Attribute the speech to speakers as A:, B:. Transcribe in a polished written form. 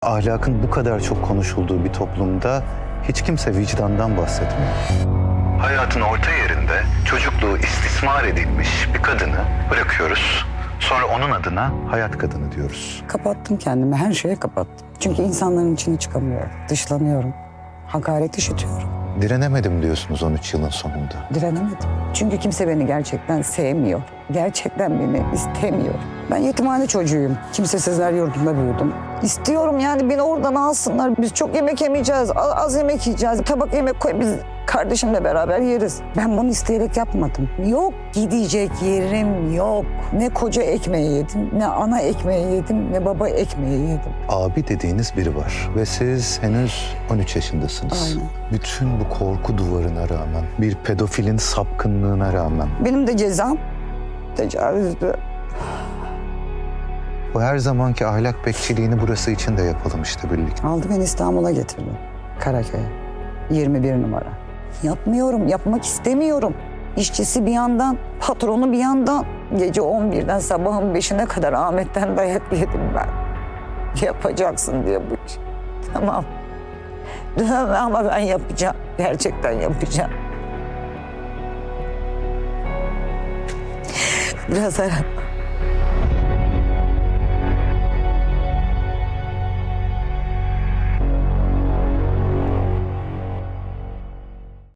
A: Ahlakın bu kadar çok konuşulduğu bir toplumda hiç kimse vicdandan bahsetmiyor. Hayatın orta yerinde çocukluğu istismar edilmiş bir kadını bırakıyoruz. Sonra onun adına hayat kadını diyoruz.
B: Kapattım kendimi, her şeye kapattım. Çünkü insanların içine çıkamıyorum, dışlanıyorum, hakaret işitiyorum.
A: Direnemedim diyorsunuz 13 yılın sonunda.
B: Direnemedim. Çünkü kimse beni gerçekten sevmiyor. Gerçekten beni istemiyor. Ben yetimhane çocuğuyum. Kimsesizler yurdunda büyüdüm. İstiyorum yani beni oradan alsınlar. Biz çok yemek yemeyeceğiz, az yemek yiyeceğiz. Tabak yemek koy, biz kardeşimle beraber yeriz. Ben bunu isteyerek yapmadım. Yok, gidecek yerim yok. Ne koca ekmeği yedim, ne ana ekmeği yedim, ne baba ekmeği yedim.
A: Abi dediğiniz biri var ve siz henüz 13 yaşındasınız.
B: Aynen.
A: Bütün bu korku duvarına rağmen, bir pedofilin sapkınlığına rağmen
B: Benim de cezam tecavüzdü.
A: bu her zamanki ahlak bekçiliğini burası için de yapalım işte birlikte.
B: Aldı beni İstanbul'a getirdi. Karaköy'e. 21 numara. Yapmıyorum, yapmak istemiyorum. İşçisi bir yandan, patronu bir yandan. Gece 11'den sabahın 5'ine kadar Ahmet'ten dayak yedim ben. Yapacaksın diye bu iş. Tamam. Ama ben yapacağım. Gerçekten yapacağım. Biraz ara.